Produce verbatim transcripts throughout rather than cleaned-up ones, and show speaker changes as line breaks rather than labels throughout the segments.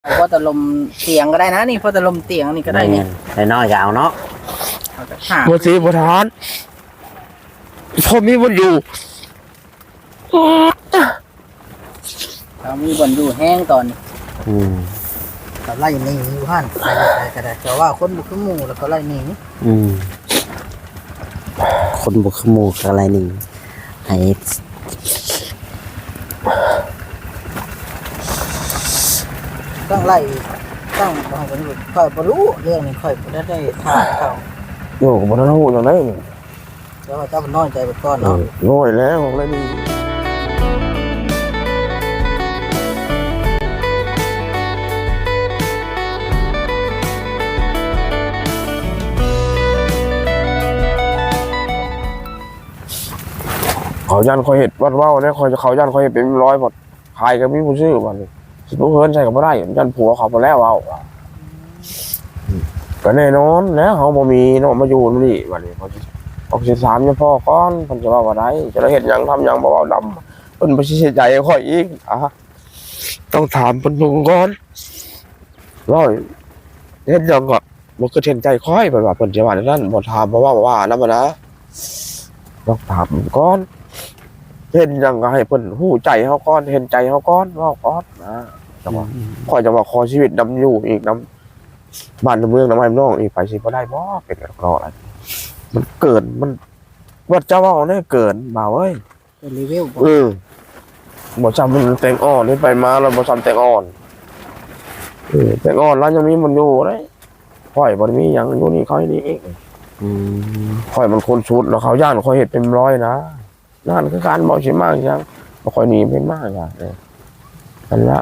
พอตะลมเตียงก็ได้นะนี่พอตะลมเตียงนี่ก็ได้นี่
ได้น้อยก็เอาเนาะ
บนสีบนทานพอมีบนอยู่
เรามีบ่อนอยู่แห้งตอนนี้
อืม
เราไล่หนีอยู่หั่นไปก็ได้แต่ว่าคนบุกขึ้นหมู่แล้วก็ไล่หนี
อืมคนบ่คือหมู่อะไรนี่ให้
ต้องไล่ต้องบอกกันอยู่ค่อยบ่รู้เรื่องนี้ค่อยบ่ได้ได้ถามเขา
โย่บนนั้นหูอย่างไร
แต่ว่าเจ้ามันน้อยใจไปก่อนเนาะ
โง่แล้วของอะไรนี่เขายันคอยเห็ดวัดว่าวเนี่ยคอยเขายันคอยเห็ดเป็นร้อยหมดขายก็มีผู้ซื้อวันนี้สิบเพื่อนใช่ก็ไม่ได้ยันผัวเขาไปแล้วเอาก็แน่นอนแล้วเขาบ่มีเนาะมาอยู่นี่วันนี้เขาออกสิสามเนี่ยพ่อก้อนเพิ่นจะว่าว่าได้จะได้เห็นยังทำยังบ่เว้าดำเพิ่นบ่สิเสียใจค่อยอีกอ่ะต้องถามเพิ่นก่อนร้อยเฮ็ดยังก็บ่คือเห็นใจค่อยเพิ่นว่าเพิ่นจะว่านั้นบ่ถามบ่ว่าบ่ว่านำนะต้องถามก่อนเห็นยังก็ให้เพิ่นฮู้ใจเฮาก่อนเห็นใจเฮาก่อนเว้าก่อนนะจังว่าค่อยจะว่าขอชีวิตนำอยู่อีกนำบ้านเมืองนำให้น้องอีกไปสิบ่ได้บ่เป็นกันรออะไรมันเกินมันวัดเจ้าว่าเนี่ยเกินบ่าวเอ้ย
เป็นรีเวลบ่
เออบ่จำมันแตงอ่อนนี่ไปมาแล้วบ่จำแตงอ่อนเออแตงอ่อนแล้วยังมีมันอยู่เลยข่อยบ่ได้มีหยังอยู่นี่เขาให้นี่เอง
อืม
ข่อยมันคนชุดแล้วเขาย่านข่อยเฮ็ดเป็นร้อยนะนั่นคือการบ่สิมากจังบ่ค่อยหนีเป็นมากอ่ะเออนั่นละ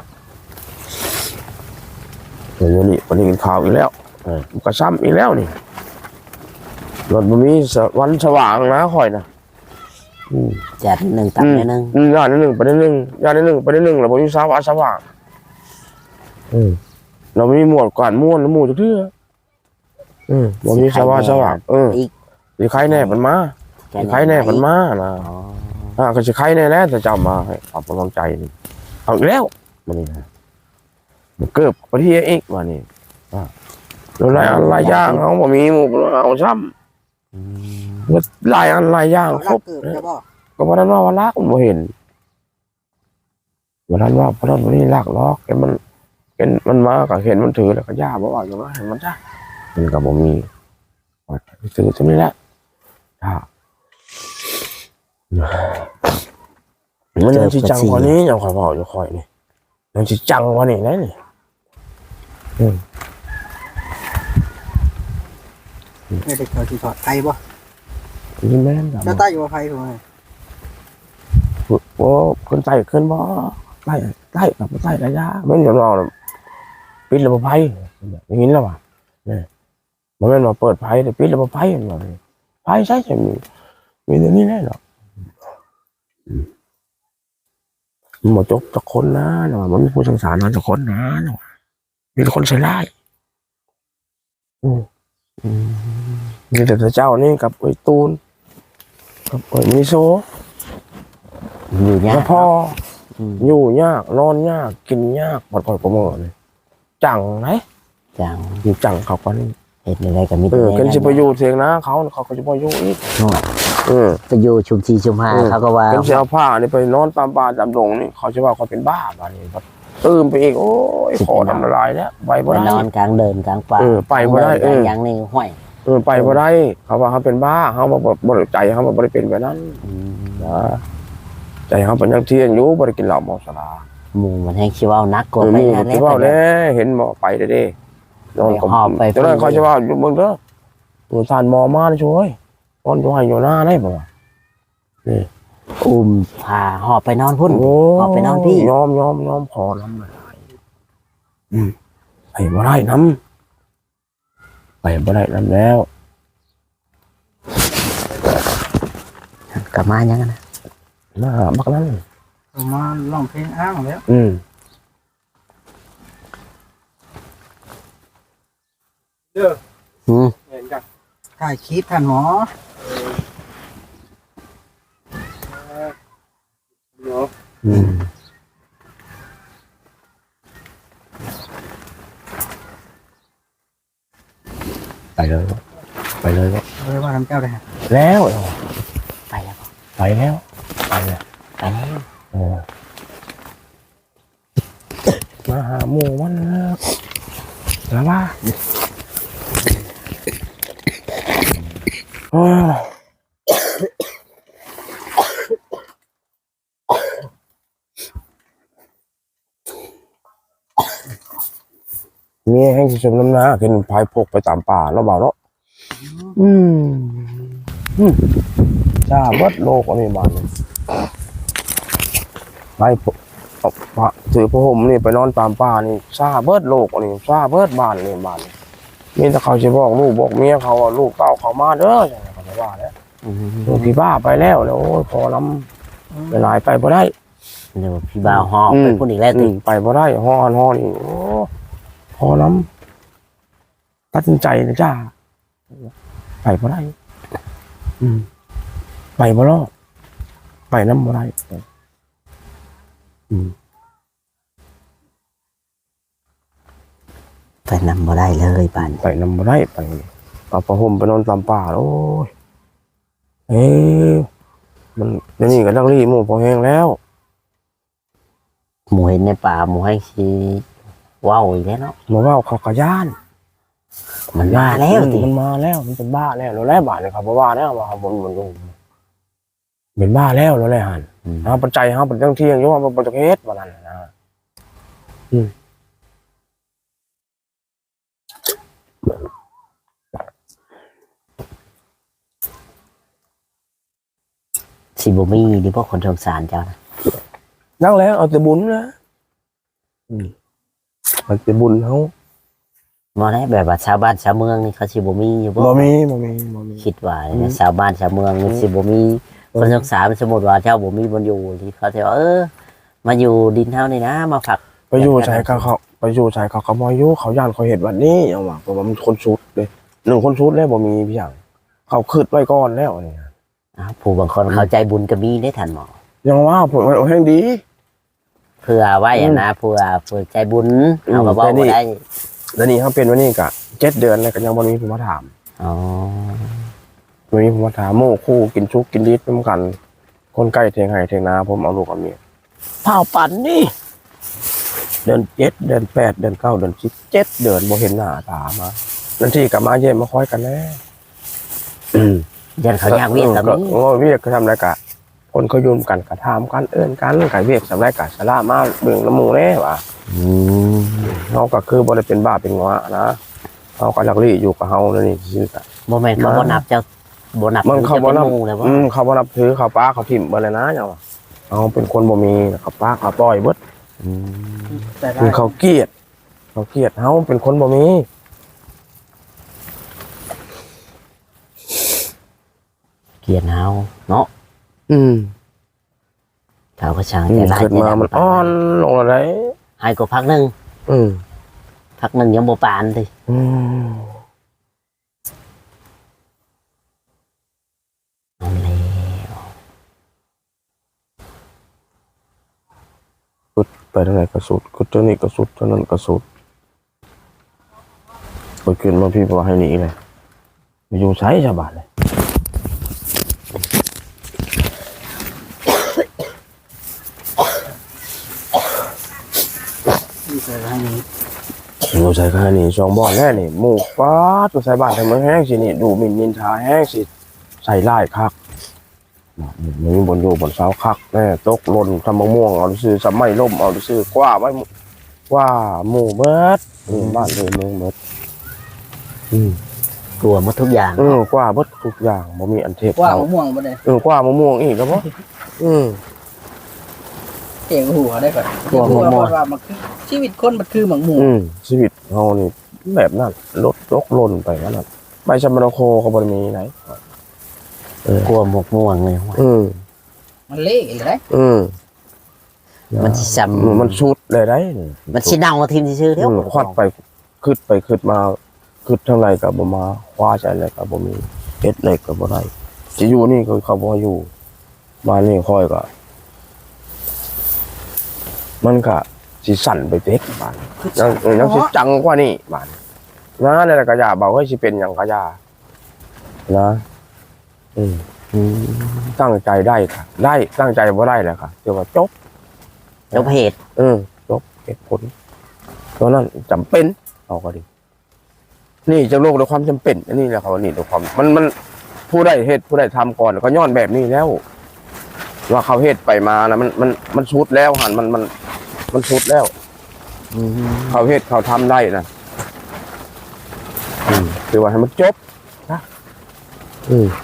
เดี๋ยวนี้วันนี้กินข้าวอีกแล้วเออมันก็ซ้ำอีกแล้วนี่รถบ่มีวันสว่างนะข่อยน่ะอืม
จัดหนึ่งตับนิดนึง
อืมย่านนิดหนึ่งไปนิดหนึ่งย่านนิดหนึ่งไปนิดหนึ่งแล้วผมอยู่สาวาสว่างอืมเราไม่มีหมวดก่อนม้วนหมู่จะเทื่ออืมผมมีสาวาสว่างเออ
อีก
สิใครแน่มันมาสิใครแน่มันมานะ
อ๋อ
อ่าก็สิใครแน่แล้วจะจำมาให้ความกำลังใจนี่เอาอีกแล้วมันนี่นะมันเกิบไปที่เอกมานี่อ่าแล้วหลายอันหลายอย่างเขาบ่มีหมู่เอาซ้
อืม
ำว่าหลายอันหลายอย่างคร
รั
บ
กเกิดจะบ่
ก็เพราะนั้นว่าวันรักมันบ่เห็นวันนั้นว่าเพราะนั้นวันนี้รักล็อกเห็นมันเห็นมันมาก็เห็นมันถือแล้วก็ย่าบอกว่าอย่างนั้นเห็นมันจ้ามันก็บ่มีว่าถือตรงนี้แหละจ้ามันยังสิจังกว่านี้ยังคอยบอกอยู่คอยนี่ยังสิจังกว่านี้นะนี่อืม
ไม่ได้เคยสิถอดไผบ่
นี่แม่นครับ
เจ้าใต้อยู่ว่าไผถูกมั้ย
โอ้คนใต้ขึ้นบ่ใต้ใต้กับใต้ระยะไม่ยอมรอปิดระบบไฟอย่างนี้แล้วว่ะเนี่ยมันไม่มาเปิดไฟแต่ปิดระบบไฟมันว่าไฟใช่ใช่มีมีแต่นี้แน่หรอกมันหมดจบจากคนนะนะมันมีผู้สงสารมันจากคนนะนะมีแต่คนใส่ร้ายอืมอืมมีแต่เจ้านี่กับไอ้ตูนกับไอ้มิโซ
อยู่ยาก
แล้วพอ
อืม
อยู่ยากนอนยากกินยากปวดคอยประเมินเลยจังไหม
จัง
อยู่จังเขาก็นี่
เห็ดอะไรก็มี
เออ
แต่
กันจะไปอยู่เสียงนะเขาเขาก็จะไปอยู่อีก
โน่น
เออ
ไปอยู่ชุมชีชุมหาเขาก็ว่า
กันจะเอาผ้านี่ไปนอนตามป่าตามดงนี่เขาจะว่าเขาเป็นบ้าบ้านี่แบบตื่นไปอีกโอ้ยขอทำละลายแล้วไป
ไป
บ่ได้
นอนกลางเดินกลางป่า
เออไปบ่ได้เออ
อย่างนี้ห้อย
เออไปบ่ได้เขาว่าเขาเป็นบ้าเขาบอกบริใจเขาบอกบริเป็นแบบนั้น
อืม
นะใจเขาเป็นอยังเที่ยงอยู่บริกินเหล้าเมาสุรา
หมู่มันให้คิดว่านักก
เอ
ว่า
อ
ไป
มี
งาน
ที่ว่าแล้วเห็นหมอไปเด้ๆนอนกับ
ไปหอบไป
ตอนนั้นเขาจะว่าอยู่เมืองเด้อตัวสานหมอมาเลยช่วยนอนอยู่ให้อยู่หน้าได้บ่วะนี่
อุ้มพาหอบไปนอนพุ่น
โอ้
หอบไปนอนพี่
ยอมยอมยอมพอน้ำเลยอืมไปบ่ได้น้ำไปบ่ได้น้ำแล้ว
กลับมายังกันนะ
มาบักนั้น
เอามาร้องเพลงอ้างแล้ว
อืม
เด้อ
อืม
เห็นกันถ่ายคลิปท่านหมอเนาะ
อืม
ไปเลยไปเลยก็
บ่ได้ว่าน้ำเจ้าได้ฮะ
แล้ว
ไปแล้วบ่
ไปแล้วไปแล้ว
ไปแล้ว
เออมาหาหมู่มันแล้วว่าโอ้ยมีแห้งชมน้ำหน้าขึ้นพายพกไปตามป่าแล้วเบาเนาะอืมอืมจ้าเบิดโลกอันนี้บ้านเลยไปพกเอาพระถือพระห่มนี่ไปนอนตามป่านี่ซาเบิดโลกอันนี้ซาเบิดบ้านนี่บ้านนี่มีแต่เขาจะบอกลูกบอกเมียเขาว่าลูกเต้าเขามาเด้ออย่างนี้เขาจะว่าแล้ว
อืม
ลูกพี่บ้าไปแล้วแล้วโอ้ยพอล้ำไปหลายไปบ่ได้
เดี๋ยวพี่บ่าวหอบไปพุ่นอีกแล้ว
อื
ติ
มไปบ่ได้ฮ้อนฮ้อนนี่โอ้พอล้ำตัดสินใจนะจ้าไปบ่ได้อืมไปบ่รอดไปน้ำบ่ได้อืม
ไปนำบ่ได้เลยบ้าน
ไปน้ำบ่ได้ไปเอาผ้าห่มไปนอนตามป่าโอ้ยเอ้ยมันเดี๋ยวนี้ก็ดักรีหมู่พอแห้งแล้ว
หมูเห็นในป่าหมูให้สิว้าวอีกแล้วเนาะ
มาว่าเขากระย่าน
มันว่าแล้วติ
มันมาแล้วมันเป็นบ้าแล้วแล้วแล้บาทเลยครับเพราะว่าแล้วว่าบนบนลงเป็นบ้าแล้วแล้วแหละหัน
อืม
ฮะปัจจัยฮะปัจจัยเที่ยงยกว่าปัจจัยเฮ็ดวันนั้นนะอืม
สิบ่มีดิพวกคนสงสารเจ้านะ
นั่งแล้วเอาแต่บุญนะอืมเอาแต่บุญเขา
บ่ได้แบบว่าชาวบ้านชาวเมืองนี่เขาสิบ่มีอยู่บ่
บ่มีบ่มีบ่มี
คิดว่าเนี่ยชาวบ้านชาวเมืองนี่สิบ่มีคนสงสารสมมุติว่าเจ้าบ่มีบนอยู่ที่เขาจะว่าเออมาอยู่ดินเฮานี่นะมาผัก
ไปอยู่ชายเขาเขาไปอยู่ชายเขาเขาบ่อยู่เขาย่านเขาเห็นวันนี้เอาว่าเพราะว่ามันคนชุดเลยหนึ่งคนชุดแล้วบ่มีพี่อย่างเขาคืดไว้ก่อนแล้วนี่
อ้าวผู้บางคนเข้าใจบุญก็มีได้ทันหมอ
ยังว่าผมว่าโอ้แห้งดี
เพื่อไว้อะนะเพื่อเพื่อใจบุญ
อืม
เอามาบอก
แต่นี่
ว่าได้
แล้วนี่เขาเป็นวันนี้กะเจ็ดเดือนแล้วก็ยังบ่มีผมมาถาม
อ๋อ
วันนี้ผมมาถามโม่คู่กินชุกกินดิบน้ำกัน คนใกล้เทียงไห้เทียงนาผมเอาลูกเอาเมียเผาปั่นนี่เดือนเจ็ดเดือนแปดเดือนเก้าเดือนสิบเจ็ดเดือนบ่เห็นหน้าตามานั่นที่กลับมาเยี่ยมมาคอยกันแล้วอืม
ยันเขาอยากเวียนกับนี้
โอ้เวียกเขาทำอะไรกะ คนเขายุ่มกันกะทำกันเอื้อนกันไก่เวียกสำไรกะสลามาเบิ่งน้ำมูแน่ว่ะ
อืม
เขาก็คือบ่ได้เป็นบ้าเป็นงวะนะเขาก็ลักลี่อยู่กับเฮาแล้วนี่ซื่อกะ
โมเมนต์เขาบ่นับเจ้าบ่นับ
มันเขาบ่นับ
จะป็หมู่เลยว่า
อืมเขาบ่นับถือเขาป้าเขาถิ่มเบ่เลยนะอย่างว่าเขาเป็นคนบ่มีเขาป้าเขาปล่อยเบิด
อืม
แต่ได้
คือเขาเกลียด เขาเกลียดเฮาเป็นคนบ่มี
เกลียดเฮาเนาะ
อืม
เขาก็ช่าง
อืม
แต่ละ
เกิดมามันอ่อนลงอะไร
ให้ก็พักหนึง
อืม
พักหนึงยังบ่ปานติ
อืม
เอาแล้ว
กุดไปทางไหนก็สุดกุดเท่านี้ก็สุดเท่านั้นก็สุดไปขึ้นมาพี่บอกให้หนีเลยมาอยู่ใช้ชาวบ้านเลย
ที่เคยให้นี้
อยู่ใช้แค่นี้สองบ่อนแน่นี่หมูป้าตัวใส่บ้านทำไมแห้งสินี่ดูหมินนินทาแห้งสิใส่ไล่คักมันมีบนอยู่บนเสาคักแน่ตกหล่นทำมะม่วงเอาซื้อสมัยล่มเอาซื้อกว่าไว้กว่าหมู่เบิดอืมบ้านเลยเมืองเบิดอืม
กลัวหมดทุกอย่าง
อืมกว่าเบิดทุกอย่างบ่มีอันเทพ
ว่า
เขา
มะม่วงบ่ได้
เออกว่ามะม่วงอีกแล้วบ่อืม
เก่งหัวได้ก่อน
กลัวมะม่วง
ว่ามันคือชีวิตคนมันคือหมังหมู
อืมชีวิตเฮานี่แบบนั้นลดตกหล่นไปนั่นน่ะใบชะมะโคก็บ่ได้มีไหนเออก
ลัวหมกม่วงเลย
อืม
มันเละอีกเลย
อืม
มันสิซ้
อืมมันชุดเลยได้นี่
ำมันสิเน่าทิ่มซื่อๆเด้อ
อืมควัดไปขึ้นไปขึ้นมาขึ้นเท่าไรก็บ่มาคว้าใจอะไรก็บ่มีเฮ็ดอะไรก็บ่ได้สิอยู่นี่ก็เขาบ่ให้อยู่มานี่ค่อยก็มันก็สิสั่นไปเต็กบาดยังยังสิจังกว่านี่บาดนะเนี่ยกระยาเบาเฮ้ยสิเป็นอย่างกระยานะอืม
อืม
ตั้งใจได้ค่ะ ได้ตั้งใจว่าได้แหละค่ะเรียกว่าจบ
จบเหตุ
เออจบเหตุผลตัวนั้นจำเป็นเอาก็ดี นี่จะโลกด้วยความจำเป็นอันนี้แหละครับนี่ด้วยความมันมันผู้ได้เหตุผู้ได้ทำก่อนก็ย้อนแบบนี้แล้ว ว่าเขาเหตุไปมานะมันมันมันชุดแล้วหันมันมันมันชุดแล้ว
อืม
เขาเหตุเขาทำได้นะอืมคือว่าให้มันจบนะอืม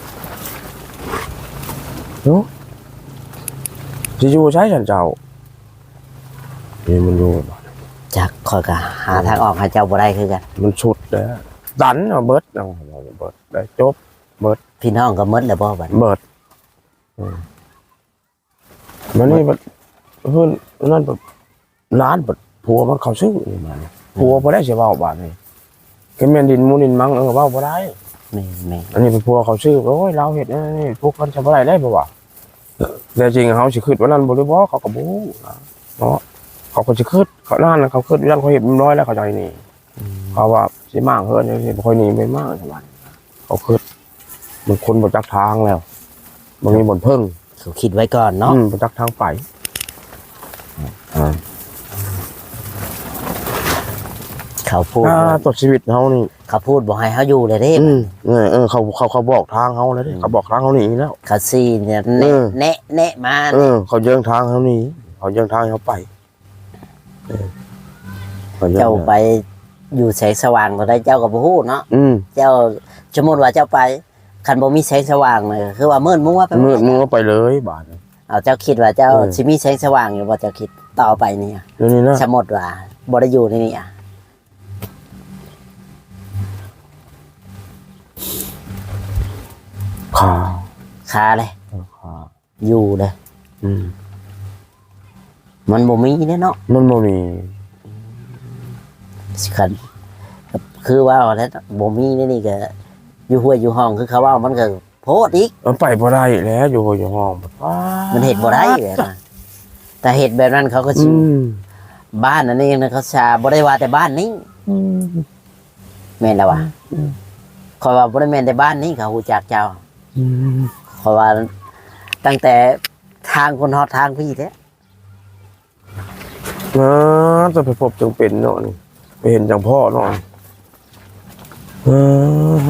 เนาะจะอยู่ใช้ฉันเจ้านี่มันอยู่
จักคอยก็หาทางออกให้เจ้าบ่ได้คือกัน
มันชุดแล้วดันเอาเบิดเอาเบิดได้จบ
พี่น้องก็หมดแล้วบ่บัด
เบิดอืมมันนี่มันเพื่อนนั่นแบบร้านแบบผัวมันเขาซื้อนี่มันผัวพอได้เสียเบาบาทนี่ก็แม่นดินมูนินมังเออเบาพอได้
แม่แม่
อันนี้เป็นผัวเขาซื้อโอ้ยเราเห็ดนะนี่พวกมันจะบ่ได้ได้บ่วะแต่จริงเขาสิคิดว่านั่นบ่ได้บ่เขาก็บ่นะเนาะเขาก็สิคิดเขานั่นน่ะเขาคิดว่านั่นเขาเห็ดมันน้อยแล้วเขาใจนี่เขาว่าสิมากเฮินสิบ่ค่อยหนีไปมากจังหวะเขาคิดมันคนบ่จักทางแล้วบ่มีบ่นเพิ่ง
เขาคิดไว้ก่อนเนาะ
อืมบ่จักทางไปอ่า
เขาพูด
อ่าต่อชีวิตเฮานี่
เขาพูดบอกให้เขาอยู่เลยเด้
อืมเออเออเขาเขาเขาบอกทางเฮาแล้วเด้เขาบอกทางเฮาหนีแล้ว
เขาซีเนี่ย
เอ
แนะ
อ
แนะแนะมา
เออเขาเยื่องทางเฮาหนีเขาเยื่องทางให้เฮาไปเออขยื่อง
เจ้าไปอยู่แสงสว่างก็ได้เจ้าก็บ่ฮู้เนาะ
อืม
เจ้าสมมุติว่าเจ้าไปคันบ่มีแสงสว่างเลยคือว่ามืดมัวไปหมด
มือมือไปเลยบาด
เอาเจ้าคิดว่าเจ้า
เออ
สิมีแสงสว่างอยู่บ่เจ้าคิดต่อไปเนี่ย
เดี๋ยวนี้นะ
สมมุติว่าบ่ได้อยู่ในนี่อ่ะ
ขา
คาเลย
ขา
อยู่เลย
อืม
มันบ่มีเด้เนาะ
มันบ่มี
คันคือว่าแล้วบ่มีนี่นี่ก็อยู่ห้วยอยู่ห้องคือเขาว่ามันก็โพดอีก
มันไปบ่ได้แล้วอยู่อยู่ห้องว้า
มันเห็ดบ่ได้เลยนะแต่เห็ดแบบนั้นเขาก็
อื
ชิว
ม
บ้านนั่นเองนะเขาชาบ่ได้ว่าแต่บ้านนี้
อืม
แม่นแล้ววะขอยว่าบ่ได้แม่นแต่บ้านนี้เขาฮู้จักเจ้า
อืม
ขอยว่าตั้งแต่ทางคนฮอดทางพี่แท้
นะจะไปพบจังเป็นเนาะนี่ไปเห็นจังพ่อเนาะเออ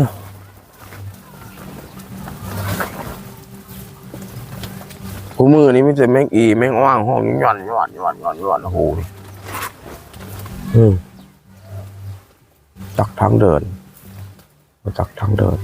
กูมือนี้ไม่ใช่แมงอีแมงว่างห้องย่อนย่อนย่อนย่อนย่อนโอ้โหอืมจักทางเดินจักทางเดิน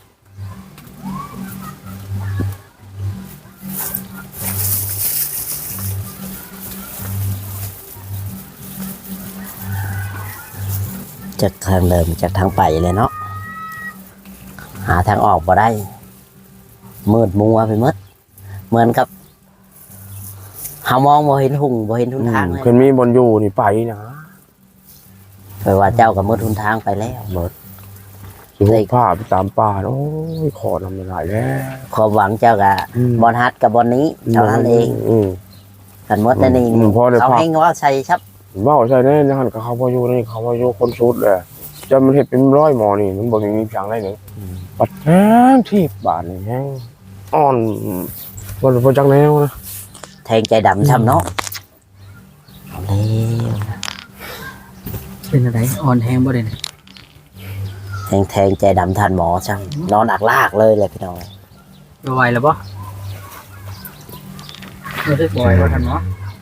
จากทางเดิมจากทางไปเลยเนาะหาทางออกบ่ได้มืดมัวไปหมดเหมือนกับเฮามองบ่เห็นหุ่งบ่เห็นทุนทางเลย
เพิ่นมีบนอยู่นี่ไปนะ
แปลว่าเจ้าก็มืดทุนทางไปแล้ว
สิหุบผ้าไปตามป่าโอ้ยขอทำไม่ได้แล้ว
ความหวังเจ้าก็บอลฮัดกับบอลนี้เท่านั้นเอง
อืม
กันหมดแต่นี่
อืมพอได้
เขา
พัก
ให้ว่าใส่ชับ
เว้าใช่แน่นะหันกับเขาพออยู่นี่เขาพออยู่คนสุดเลยจะมันเห็ดเป็นร้อยหมอนี่มันบ่มีเพียงได้หนึ่งปัดแห้งที่บาทนี่แห้งอ่อนบ่บ่จักแนวนะ
แทงใจดำช้ำเนาะเอาเร็ว
เป็นอะไรอ่อนแห้งบ่ได้นี่
แทงแทงใจดำทันหมอช้ำนอนอักลากเลยเลยพี่น้อง
บ่ไหวแล้วบ่รู้สึกบ่ไหวบ่ทันเนาะ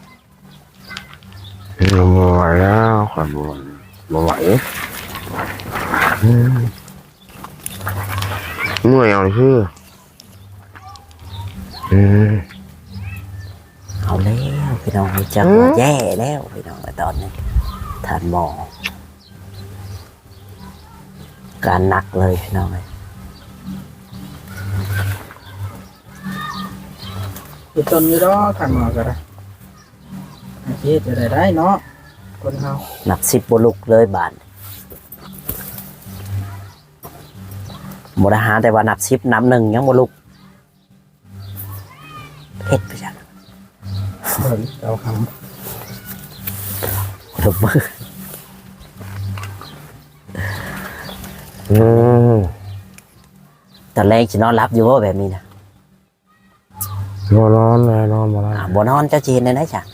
บ่ไหวแล้วครับบ่บ่ไหวอืมเมื่อยเอาชื่ออืม
เอาแล้วพี่น้องจัง
อืม
แย่แล้วพี่น้องตอนนี้ทันหมอการหนักเลยพี่น้องเลย
คือต้นอยู่ดอกทางหมอก็ได้อาชีพจะได้ได้เนาะคนเฮา
หนักสิบบลุกเลยบาทบริหารแต่ว่าหนักสิบน้ำหนึ่งยังบลุกเฮ็ดไปจัง
เบิ่งเอาค
ลบมือ
อืม
ตอนแรกสินอนรับอยู่ว่าแบบนี้นะ
บ่นอนเลยนอนบ่ได้
อ่าบ่นอนเจ้าจีนได้ไหมจ้ะ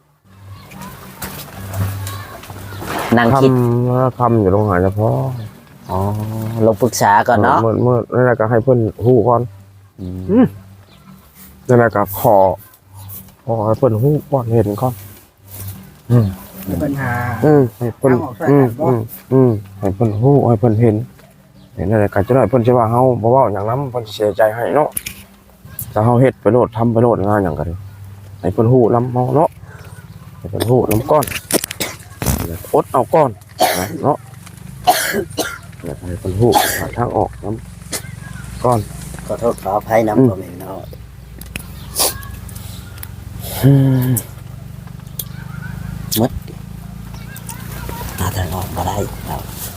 นั่ง
ค
คิด
ำคำอยู่ตรงหายเฉพาะ
อ๋อลงปรึกษาก่อนเนาะ
เมื่อเมื่อนั่นแหละก็ให้เพิ่นฮู้ก่อน
อืม
อืมนั่นแหละก็ขอขอให้เพิ่นฮู้ก่อนเห็นก่อนอืม
มีปัญหา
อืมให้เพิ่น
เอาออกใส่
อืม
กันบ่
อืมอืมให้เพิ่นฮู้ให้เพิ่นเห็นเห็นนั่นแหละก็จะได้เพิ่นสิว่าเฮาบ่เว้าหยังนำเพิ่นสิเสียใจให้เนาะถ้าเฮาเฮ็ดไปโลดทำไปโลดงานหยังก็ได้ให้เพิ่นฮู้นำเฮาเนาะให้เพิ่นฮู้นำก่อนอดเอาก่อนนะเนาะอยากให้เพิ่นฮู้หาทางออกนำก่อน
ขอโทษขออภัยน้ำผมเองเนาะ
อืม
หาทางออกมาได้ครับ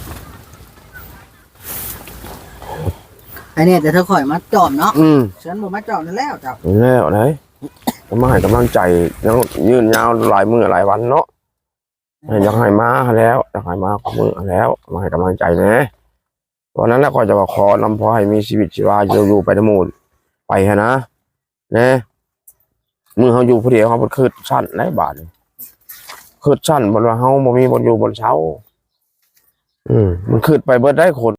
ไอ้เนี่ยแต่ถ้าข่อยมาจอมเนาะ
อืม
ฉันบ่มาจอมนั่นแล้วเจ้า
แล้วไหนก็มาให้กำลังใจยังยืนยาวหลายมื้อหลายวันเนาะอยากให้มาแล้วอยากให้มาขอมือแล้วมาให้กำลังใจแหน่วันนั้นแหละก็จะว่าขอนำพอให้มีชีวิตชีวาอยู่อยู่ไปทั้งหมดไปฮะนะแน่มือเขาอยู่ผู้เดียวเขาบ่คืดสั้นได้บาทคืดสั้นบนว่าเฮาบ่มีบนอยู่บนเช้า อืมมันคืดไปเบิดได้คน